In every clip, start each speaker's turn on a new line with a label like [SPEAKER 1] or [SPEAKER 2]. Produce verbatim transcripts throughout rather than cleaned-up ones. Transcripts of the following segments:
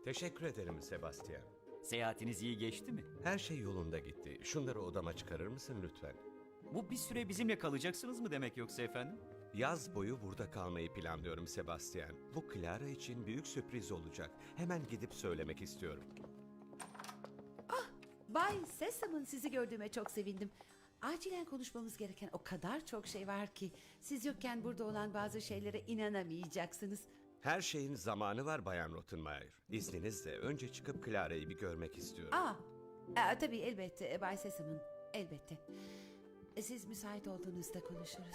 [SPEAKER 1] Teşekkür ederim Sebastian.
[SPEAKER 2] Seyahatiniz iyi geçti mi?
[SPEAKER 1] Her şey yolunda gitti. Şunları odama çıkarır mısın lütfen?
[SPEAKER 2] Bu bir süre bizimle kalacaksınız mı demek yoksa efendim?
[SPEAKER 1] Yaz boyu burada kalmayı planlıyorum Sebastian. Bu Clara için büyük sürpriz olacak. Hemen gidip söylemek istiyorum.
[SPEAKER 3] Bay Sesam'ın sizi gördüğüme çok sevindim. Acilen konuşmamız gereken o kadar çok şey var ki siz yokken burada olan bazı şeylere inanamayacaksınız.
[SPEAKER 1] Her şeyin zamanı var Bayan Rottenmeier. İzninizle önce çıkıp Clara'yı bir görmek istiyorum.
[SPEAKER 3] Aa, aa tabii elbette e, Bay Sesam'ın elbette. E, Siz müsait olduğunuzda konuşuruz.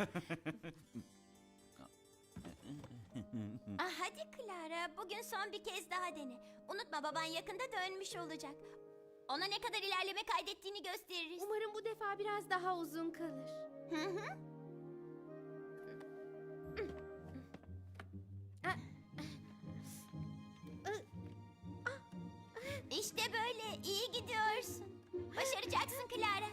[SPEAKER 4] Ah, hadi Clara, bugün son bir kez daha dene. Unutma, baban yakında dönmüş olacak. Ona ne kadar ilerleme kaydettiğini gösteririz.
[SPEAKER 5] Umarım bu defa biraz daha uzun kalır.
[SPEAKER 4] İşte böyle, iyi gidiyorsun. Başaracaksın Clara.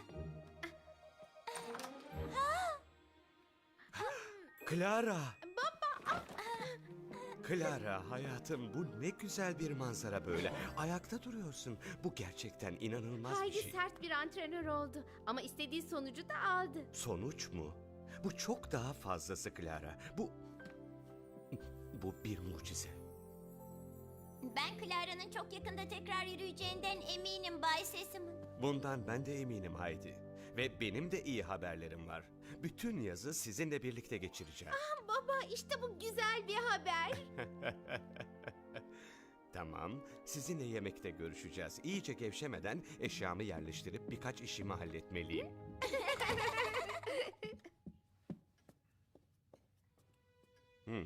[SPEAKER 1] Clara! Baba! Clara hayatım, bu ne güzel bir manzara böyle. Ayakta duruyorsun. Bu gerçekten inanılmaz bir
[SPEAKER 5] Haydi
[SPEAKER 1] şey.
[SPEAKER 5] sert bir antrenör oldu ama istediği sonucu da aldı.
[SPEAKER 1] Sonuç mu? Bu çok daha fazlası Clara. Bu... Bu bir mucize.
[SPEAKER 4] Ben Clara'nın çok yakında tekrar yürüyeceğinden eminim Bay Sesam'ın.
[SPEAKER 1] Bundan ben de eminim Haydi. Ve benim de iyi haberlerim var. Bütün yazı sizinle birlikte geçireceğim.
[SPEAKER 5] Baba işte bu güzel bir haber.
[SPEAKER 1] Tamam, sizinle yemekte görüşeceğiz. İyice gevşemeden eşyamı yerleştirip birkaç işimi halletmeliyim. Hmm.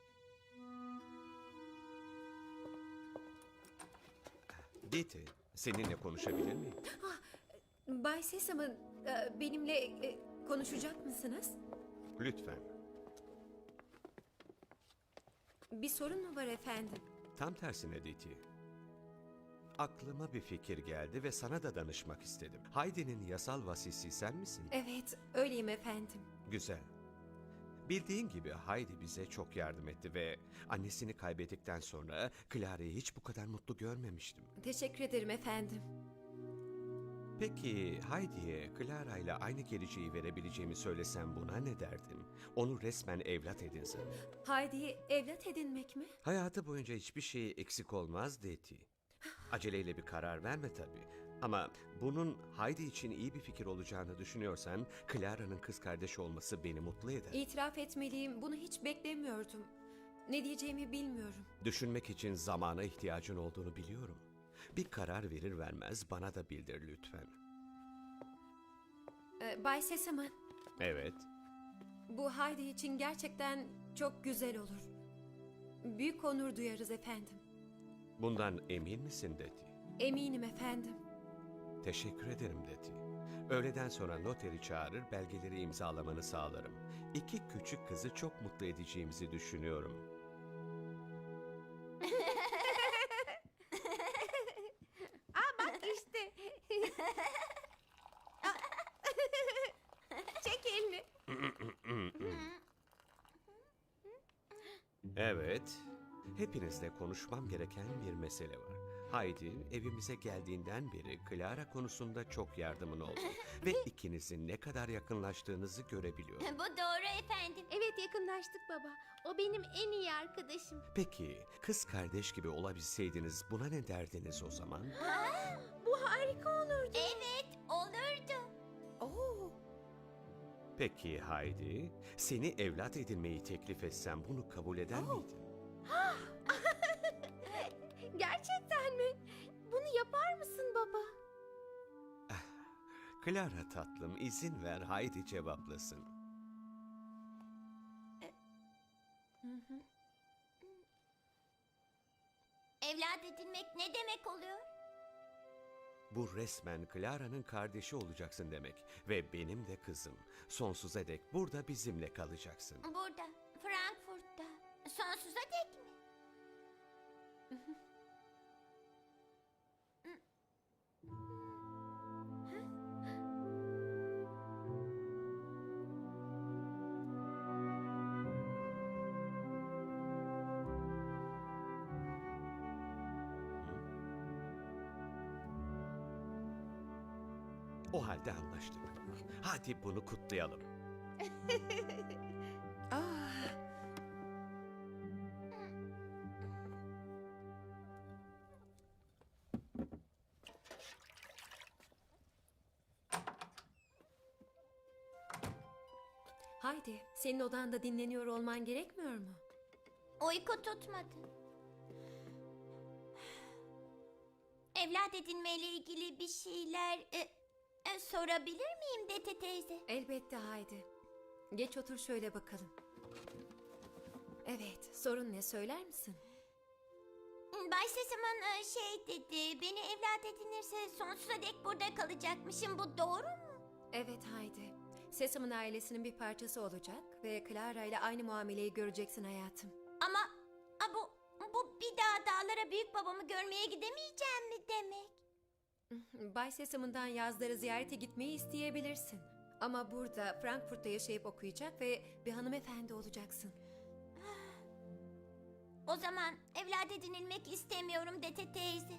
[SPEAKER 1] Diti, seninle konuşabilir miyim?
[SPEAKER 6] Bay Sesam'ın e, benimle e, konuşacak mısınız?
[SPEAKER 1] Lütfen.
[SPEAKER 6] Bir sorun mu var efendim?
[SPEAKER 1] Tam tersine Diti. Aklıma bir fikir geldi ve sana da danışmak istedim. Haydi'nin yasal vasisi sen misin?
[SPEAKER 6] Evet, öyleyim efendim.
[SPEAKER 1] Güzel. Bildiğin gibi Haydi bize çok yardım etti ve annesini kaybettikten sonra Clara'yı hiç bu kadar mutlu görmemiştim.
[SPEAKER 6] Teşekkür ederim efendim.
[SPEAKER 1] Peki Haydi'ye Clara ile aynı geleceği verebileceğimi söylesem buna ne derdin? Onu resmen evlat edinsin.
[SPEAKER 6] Haydi'yi evlat edinmek mi?
[SPEAKER 1] Hayatı boyunca hiçbir şey eksik olmaz Deti. Aceleyle bir karar verme tabii. Ama bunun Haydi için iyi bir fikir olacağını düşünüyorsan Clara'nın kız kardeşi olması beni mutlu eder.
[SPEAKER 6] İtiraf etmeliyim, bunu hiç beklemiyordum. Ne diyeceğimi bilmiyorum.
[SPEAKER 1] Düşünmek için zamana ihtiyacın olduğunu biliyorum. Bir karar verir vermez bana da bildir lütfen.
[SPEAKER 6] E, Bay Sesam'ın
[SPEAKER 1] Evet.
[SPEAKER 6] bu Haydi için gerçekten çok güzel olur. Büyük onur duyarız efendim.
[SPEAKER 1] Bundan emin misin Deti?
[SPEAKER 6] Eminim efendim.
[SPEAKER 1] Teşekkür ederim Deti. Öğleden sonra noteri çağırır, belgeleri imzalamanı sağlarım. İki küçük kızı çok mutlu edeceğimizi düşünüyorum.
[SPEAKER 5] İşte. Çek elini.
[SPEAKER 1] Evet, hepinizle konuşmam gereken bir mesele var. Haydi evimize geldiğinden beri Clara konusunda çok yardımın oldu. Ve ikinizin ne kadar yakınlaştığınızı görebiliyorum.
[SPEAKER 4] Bu doğru efendim.
[SPEAKER 5] Evet yakınlaştık baba. O benim en iyi arkadaşım.
[SPEAKER 1] Peki, kız kardeş gibi olabilseydiniz buna ne derdiniz o zaman?
[SPEAKER 5] Bu harika olurdu.
[SPEAKER 4] Evet, olurdu.
[SPEAKER 6] Oo,
[SPEAKER 1] Peki Haydi, seni evlat edinmeyi teklif etsem bunu kabul eder miydin?
[SPEAKER 5] Gerçekten mi? Bunu yapar mısın baba?
[SPEAKER 1] Clara tatlım, izin ver Haydi cevaplasın.
[SPEAKER 4] Evlat edinmek ne demek oluyor?
[SPEAKER 1] Bu resmen Clara'nın kardeşi olacaksın demek. Ve benim de kızım. Sonsuza dek burada bizimle kalacaksın.
[SPEAKER 4] Burada, Frankfurt'ta. Sonsuza dek mi?
[SPEAKER 1] O halde anlaştık. Hadi bunu kutlayalım.
[SPEAKER 3] Ah,
[SPEAKER 6] Haydi, senin odanda dinleniyor olman gerekmiyor mu?
[SPEAKER 4] Uyku tutmadı. Evlat edinmeyle ilgili bir şeyler e, e, sorabilir miyim Dete teyze?
[SPEAKER 6] Elbette Haydi. Geç otur şöyle bakalım. Evet, sorun ne söyler misin?
[SPEAKER 4] Bay Sesam'ın e, şey dedi, beni evlat edinirse sonsuza dek burada kalacakmışım. Bu doğru mu?
[SPEAKER 6] Evet Haydi. Sesam'ın ailesinin bir parçası olacak ve Clara ile aynı muameleyi göreceksin hayatım.
[SPEAKER 4] Ama a, bu bu bir daha dağlara büyük babamı görmeye gidemeyeceğim mi demek?
[SPEAKER 6] Bay Sesam'ından yazları ziyarete gitmeyi isteyebilirsin. Ama burada Frankfurt'ta yaşayıp okuyacak ve bir hanımefendi olacaksın.
[SPEAKER 4] O zaman evlat edinilmek istemiyorum Dete teyze.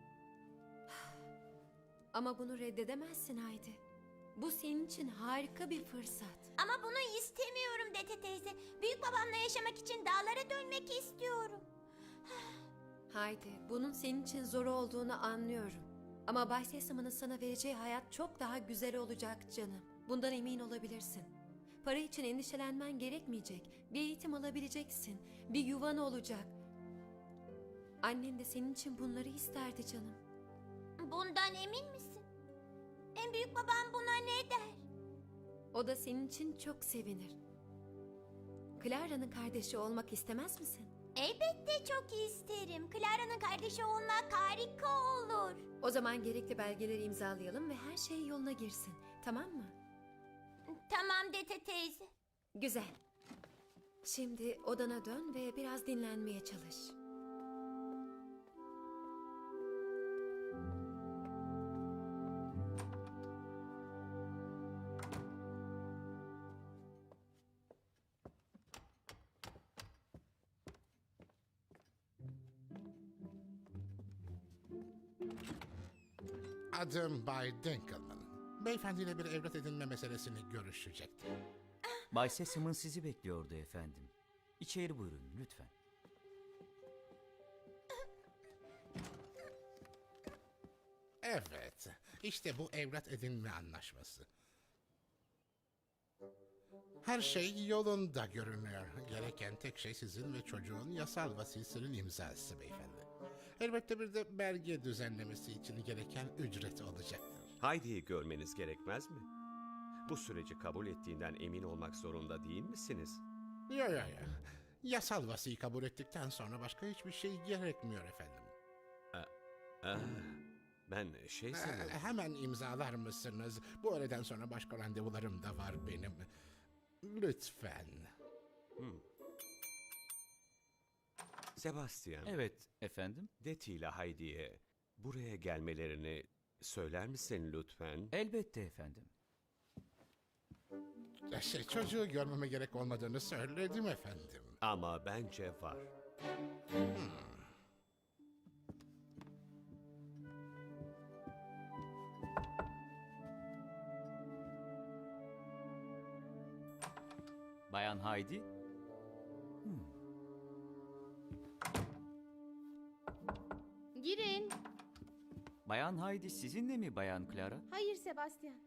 [SPEAKER 6] Ama bunu reddedemezsin Haydi. Bu senin için harika bir fırsat.
[SPEAKER 4] Ama bunu istemiyorum Dete teyze. Büyük babamla yaşamak için dağlara dönmek istiyorum.
[SPEAKER 6] Haydi, bunun senin için zor olduğunu anlıyorum. Ama Bay Sesam'ın sana vereceği hayat çok daha güzel olacak canım. Bundan emin olabilirsin. Para için endişelenmen gerekmeyecek. Bir eğitim alabileceksin. Bir yuvan olacak. Annen de senin için bunları isterdi canım.
[SPEAKER 4] Bundan emin misin? En büyük babam buna ne der?
[SPEAKER 6] O da senin için çok sevinir. Clara'nın kardeşi olmak istemez misin?
[SPEAKER 4] Elbette çok isterim. Clara'nın kardeşi olmak harika olur.
[SPEAKER 6] O zaman gerekli belgeleri imzalayalım ve her şey yoluna girsin. Tamam mı?
[SPEAKER 4] Tamam Dete teyze.
[SPEAKER 6] Güzel. Şimdi odana dön ve biraz dinlenmeye çalış.
[SPEAKER 7] Adım Bay Dinkelman. Beyefendiyle bir evlat edinme meselesini görüşecektim.
[SPEAKER 2] Bay Sesam'ın sizi bekliyordu efendim. İçeri buyurun lütfen.
[SPEAKER 7] Evet, işte bu evlat edinme anlaşması. Her şey yolunda görünüyor. Gereken tek şey sizin ve çocuğun yasal vasisinin imzası beyefendi. Elbette bir de belge düzenlemesi için gereken ücret olacaktır.
[SPEAKER 1] Haydi'yi görmeniz gerekmez mi? Bu süreci kabul ettiğinden emin olmak zorunda değil misiniz?
[SPEAKER 7] Ya ya ya. Yasal vasiyi kabul ettikten sonra başka hiçbir şey gerekmiyor efendim.
[SPEAKER 1] Ah, ben şey
[SPEAKER 7] Ee,
[SPEAKER 1] sanıyorum.
[SPEAKER 7] hemen imzalar mısınız? Bu öğleden sonra başka randevularım da var benim. Lütfen.
[SPEAKER 1] Sebastian,
[SPEAKER 2] Evet efendim.
[SPEAKER 1] Deti ile Heidi'ye buraya gelmelerini söyler misin lütfen?
[SPEAKER 2] Elbette efendim.
[SPEAKER 7] Şey, çocuğu görmeme gerek olmadığını söyledim efendim.
[SPEAKER 1] Ama bence var.
[SPEAKER 2] Bayan Heidi.
[SPEAKER 5] Girin.
[SPEAKER 2] Bayan Heidi sizinle mi Bayan Clara?
[SPEAKER 5] Hayır Sebastian.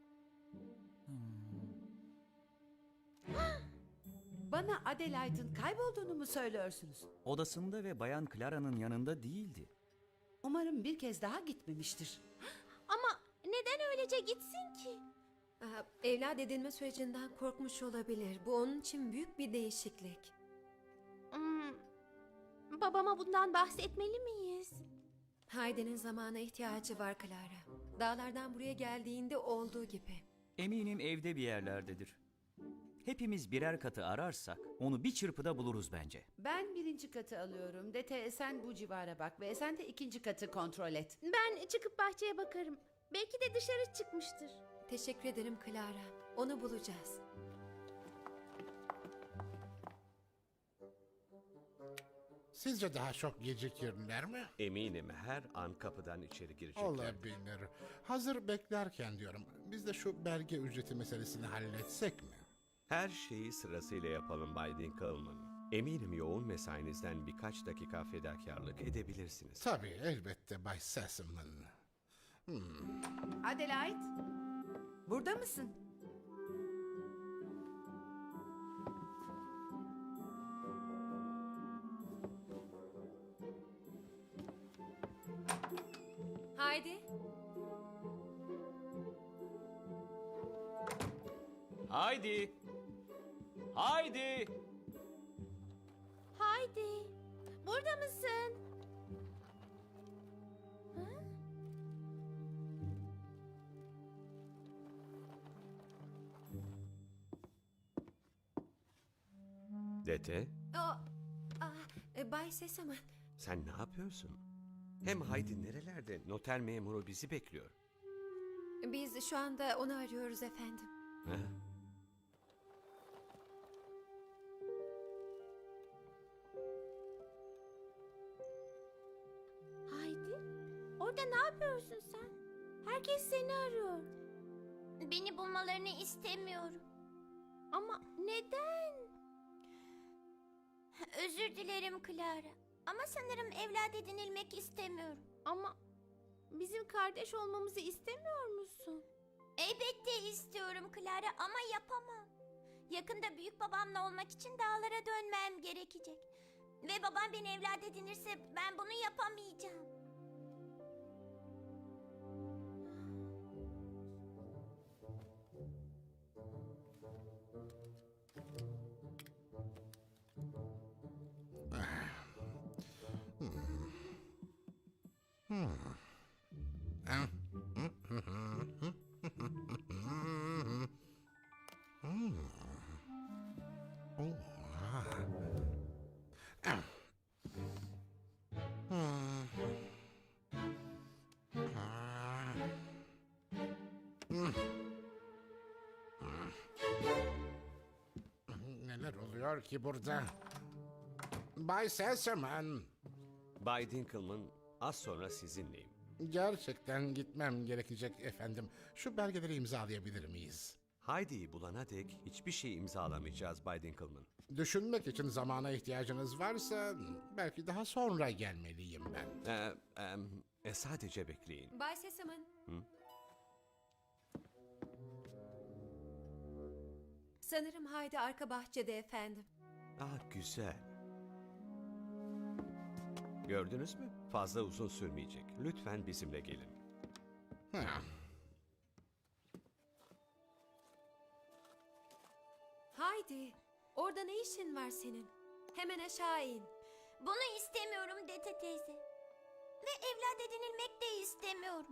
[SPEAKER 3] bana Adelaide'ın kaybolduğunu mu söylüyorsunuz?
[SPEAKER 2] Odasında ve Bayan Clara'nın yanında değildi.
[SPEAKER 3] Umarım bir kez daha gitmemiştir.
[SPEAKER 5] Ama neden öylece gitsin ki?
[SPEAKER 6] Aa, evlat edinme sürecinden korkmuş olabilir. Bu onun için büyük bir değişiklik.
[SPEAKER 5] Hmm, babama bundan bahsetmeli miyiz?
[SPEAKER 6] Haydi'nin zamana ihtiyacı var Clara. Dağlardan buraya geldiğinde olduğu gibi.
[SPEAKER 2] Eminim evde bir yerlerdedir. Hepimiz birer katı ararsak onu bir çırpıda buluruz bence.
[SPEAKER 3] Ben birinci katı alıyorum. Dete sen bu civara bak ve sen de ikinci katı kontrol et.
[SPEAKER 5] Ben çıkıp bahçeye bakarım. Belki de dışarı çıkmıştır.
[SPEAKER 6] Teşekkür ederim Clara. Onu bulacağız.
[SPEAKER 7] Sizce daha çok gecikirler mi?
[SPEAKER 1] Eminim her an kapıdan içeri girecekler.
[SPEAKER 7] Olabilir. Hazır beklerken diyorum. Biz de şu belge ücreti meselesini halletsek mi?
[SPEAKER 1] Her şeyi sırasıyla yapalım Bay Dinkelman. Eminim yoğun mesainizden birkaç dakika fedakarlık edebilirsiniz.
[SPEAKER 7] Tabii elbette Bay Sassaman.
[SPEAKER 3] Adelaide, burada mısın?
[SPEAKER 6] Haydi.
[SPEAKER 2] Haydi. Haydi.
[SPEAKER 5] Haydi. Burada mısın?
[SPEAKER 1] Dete,
[SPEAKER 6] O, ah, e, Bay Sesame.
[SPEAKER 1] sen ne yapıyorsun? Hem Haydi nerelerde? Noter memuru bizi bekliyor.
[SPEAKER 6] Biz şu anda onu arıyoruz efendim.
[SPEAKER 1] Ha?
[SPEAKER 5] Haydi. Orada ne yapıyorsun sen? Herkes seni arıyor.
[SPEAKER 4] Beni bulmalarını istemiyorum.
[SPEAKER 5] Ama neden?
[SPEAKER 4] Özür dilerim Clara. Ama sanırım evlat edinilmek istemiyorum.
[SPEAKER 5] Ama bizim kardeş olmamızı istemiyor musun?
[SPEAKER 4] Elbette istiyorum Clara ama yapamam. Yakında büyük babamla olmak için dağlara dönmem gerekecek. Ve babam beni evlat edinirse ben bunu yapamayacağım.
[SPEAKER 7] Neler oluyor ki burada? Bay Sassaman.
[SPEAKER 1] Bay Dinkelman, az sonra sizinleyim.
[SPEAKER 7] Gerçekten gitmem gerekecek efendim. Şu belgeleri imzalayabilir miyiz?
[SPEAKER 1] Haydi'yi bulana dek hiçbir şey imzalamayacağız Bay Dinkelman.
[SPEAKER 7] Düşünmek için zamana ihtiyacınız varsa belki daha sonra gelmeliyim ben.
[SPEAKER 1] Ee, em, e, sadece bekleyin.
[SPEAKER 6] Bay Sesame. Sanırım Haydi arka bahçede efendim.
[SPEAKER 1] Ah güzel. Gördünüz mü? Fazla uzun sürmeyecek. Lütfen bizimle gelin.
[SPEAKER 7] Ha.
[SPEAKER 6] Haydi. Orada ne işin var senin? Hemen aşağı in.
[SPEAKER 4] Bunu istemiyorum Dete teyze. Ve evlat edinilmek de istemiyorum.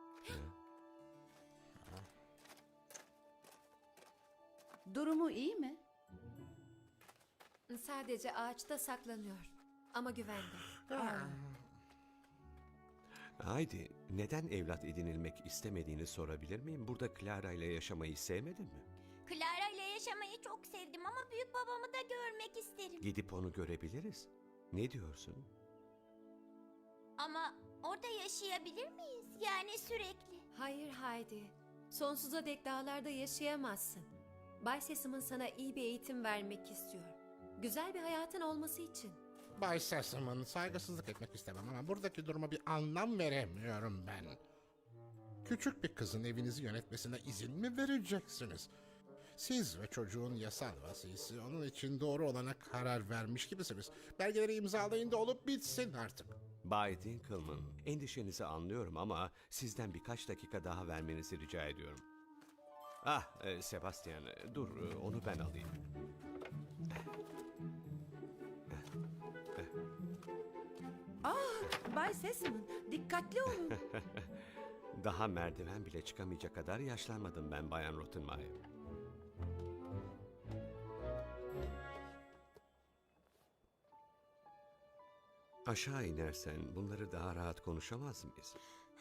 [SPEAKER 3] Durumu iyi mi?
[SPEAKER 6] Sadece ağaçta saklanıyor. Ama güvende.
[SPEAKER 1] Haydi, neden evlat edinilmek istemediğini sorabilir miyim? Burada Clara ile yaşamayı sevmedin mi?
[SPEAKER 4] Clara ile yaşamayı çok sevdim ama büyük babamı da görmek isterim.
[SPEAKER 1] Gidip onu görebiliriz. Ne diyorsun?
[SPEAKER 4] Ama orada yaşayabilir miyiz? Yani sürekli.
[SPEAKER 6] Hayır Haydi. Sonsuza dek dağlarda yaşayamazsın. Bay Sesam'ın sana iyi bir eğitim vermek istiyor. Güzel bir hayatın olması için.
[SPEAKER 7] Bay Sassaman, saygısızlık etmek istemem ama buradaki duruma bir anlam veremiyorum ben. Küçük bir kızın evinizi yönetmesine izin mi vereceksiniz? Siz ve çocuğun yasal vasisi onun için doğru olana karar vermiş gibisiniz. Belgeleri imzalayın da olup bitsin artık.
[SPEAKER 1] Bay Dinkelman, endişenizi anlıyorum ama sizden birkaç dakika daha vermenizi rica ediyorum. Ah, e, Sebastian, e, dur, e, onu ben alayım.
[SPEAKER 3] Bay Sesman, dikkatli olun.
[SPEAKER 1] Daha merdiven bile çıkamayacak kadar yaşlanmadım ben Bayan Rottenmeier. Aşağı inersen bunları daha rahat konuşamaz mıyız?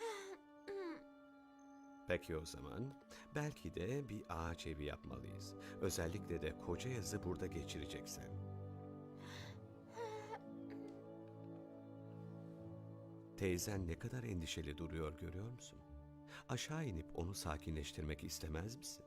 [SPEAKER 1] Peki o zaman belki de bir ağaç evi yapmalıyız. Özellikle de koca yazı burada geçireceksen. Teyzen ne kadar endişeli duruyor görüyor musun? Aşağı inip onu sakinleştirmek istemez misin?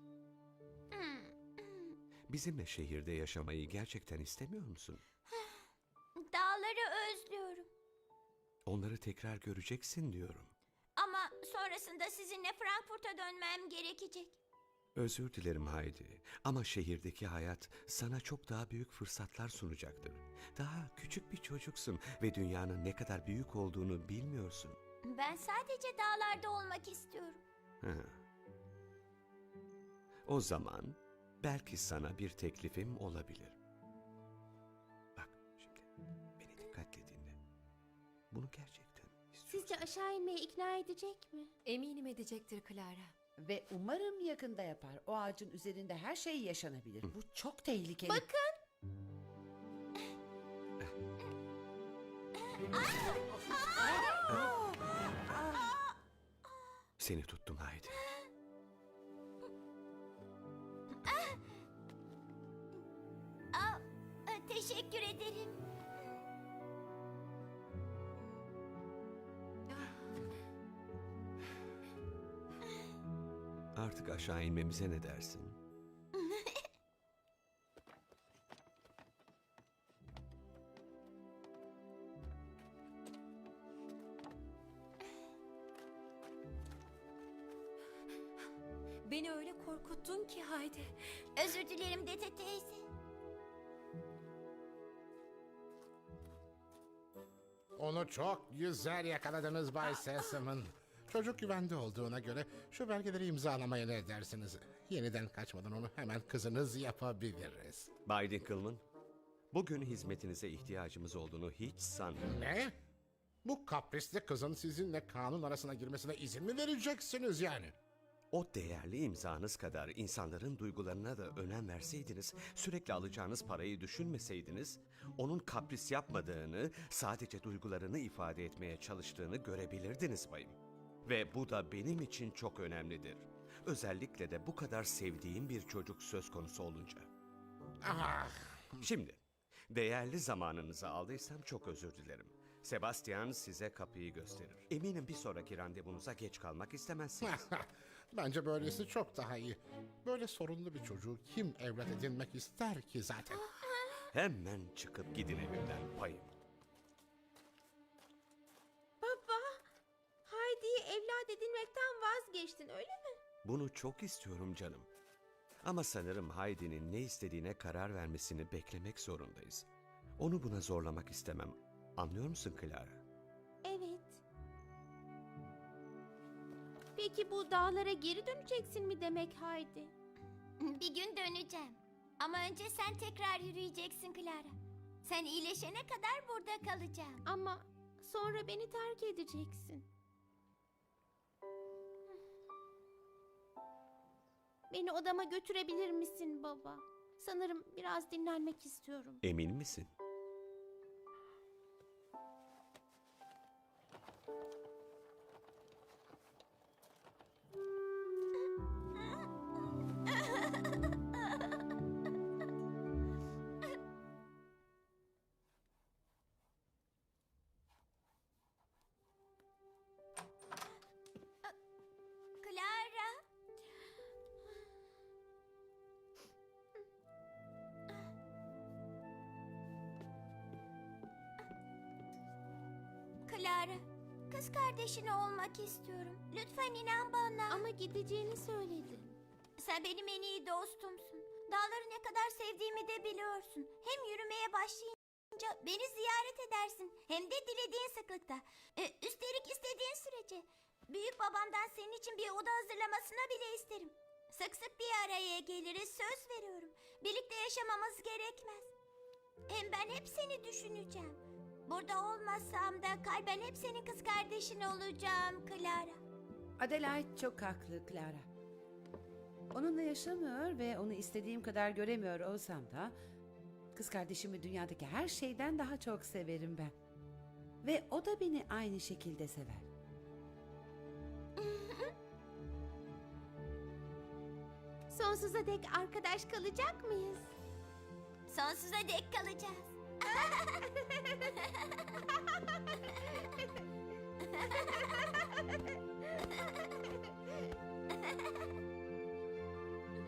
[SPEAKER 1] Bizimle şehirde yaşamayı gerçekten istemiyor musun?
[SPEAKER 4] Dağları özlüyorum.
[SPEAKER 1] Onları tekrar göreceksin diyorum.
[SPEAKER 4] Ama sonrasında sizinle Frankfurt'a dönmem gerekecek.
[SPEAKER 1] Özür dilerim Haydi ama şehirdeki hayat sana çok daha büyük fırsatlar sunacaktır. Daha küçük bir çocuksun ve dünyanın ne kadar büyük olduğunu bilmiyorsun.
[SPEAKER 4] Ben sadece dağlarda olmak istiyorum.
[SPEAKER 1] Ha. O zaman belki sana bir teklifim olabilir. Bak şimdi beni dikkatle dinle. Bunu gerçekten istiyorsan.
[SPEAKER 5] Sizce aşağı inmeye ikna edecek mi?
[SPEAKER 6] Eminim edecektir Clara.
[SPEAKER 3] Ve umarım yakında yapar. O ağacın üzerinde her şey yaşanabilir. Bu çok tehlikeli.
[SPEAKER 5] Bakın.
[SPEAKER 1] Seni tuttum Haydi.
[SPEAKER 4] Aa, e, teşekkür ederim.
[SPEAKER 1] Artık aşağı inmemize ne dersin?
[SPEAKER 6] Beni öyle korkuttun ki Haydi.
[SPEAKER 4] Özür dilerim Dete teyze.
[SPEAKER 7] Onu çok güzel yakaladınız Bay Sesam'ın. Çocuk güvende olduğuna göre şu belgeleri imzalamaya ne dersiniz? Yeniden kaçmadan onu hemen kızınız yapabiliriz.
[SPEAKER 1] Bay Dinkelman, bugün hizmetinize ihtiyacımız olduğunu hiç sanmıyorum.
[SPEAKER 7] Ne? Bu kaprisli kızın sizinle kanun arasına girmesine izin mi vereceksiniz yani?
[SPEAKER 1] O değerli imzanız kadar insanların duygularına da önem verseydiniz, sürekli alacağınız parayı düşünmeseydiniz, onun kapris yapmadığını, sadece duygularını ifade etmeye çalıştığını görebilirdiniz bayım. Ve bu da benim için çok önemlidir. Özellikle de bu kadar sevdiğim bir çocuk söz konusu olunca.
[SPEAKER 7] Ah,
[SPEAKER 1] Şimdi, değerli zamanınızı aldıysam çok özür dilerim. Sebastian size kapıyı gösterir. Eminim bir sonraki randevunuza geç kalmak istemezsiniz.
[SPEAKER 7] bence böylesi çok daha iyi. Böyle sorunlu bir çocuğu kim evlat edinmek ister ki zaten?
[SPEAKER 1] Hemen çıkıp gidin evimden bayım.
[SPEAKER 5] Baba, Heidi'yi evlat edinmekten vazgeçtin öyle mi?
[SPEAKER 1] Bunu çok istiyorum canım. Ama sanırım Heidi'nin ne istediğine karar vermesini beklemek zorundayız. Onu buna zorlamak istemem. Anlıyor musun Clara?
[SPEAKER 5] Evet. Peki bu dağlara geri döneceksin mi demek Heidi?
[SPEAKER 4] Bir gün döneceğim. Ama önce sen tekrar yürüyeceksin Clara. Sen iyileşene kadar burada kalacağım.
[SPEAKER 5] Ama sonra beni terk edeceksin. Beni odama götürebilir misin baba? Sanırım biraz dinlenmek istiyorum.
[SPEAKER 1] Emin misin?
[SPEAKER 4] Clara. Clara, kız kardeşin olmak istiyorum. Lütfen inan bana.
[SPEAKER 5] Ama gideceğini söyledin.
[SPEAKER 4] Sen benim en iyi dostumsun. Dağları ne kadar sevdiğimi de biliyorsun. Hem yürümeye başlayınca beni ziyaret edersin. Hem de dilediğin sıklıkta. Ee, üstelik istediğin sürece. Büyük babamdan senin için bir oda hazırlamasını bile isterim. Sık sık bir araya geliriz, söz veriyorum. Birlikte yaşamamız gerekmez. Hem ben hep seni düşüneceğim. Burada olmasam da kalben hep senin kız kardeşin olacağım Clara.
[SPEAKER 3] Adelaide çok haklı Clara. Onunla yaşamıyor ve onu istediğim kadar göremiyor olsam da kız kardeşimi dünyadaki her şeyden daha çok severim ben. Ve o da beni aynı şekilde sever.
[SPEAKER 5] Sonsuza dek arkadaş kalacak mıyız?
[SPEAKER 4] Sonsuza dek kalacağız.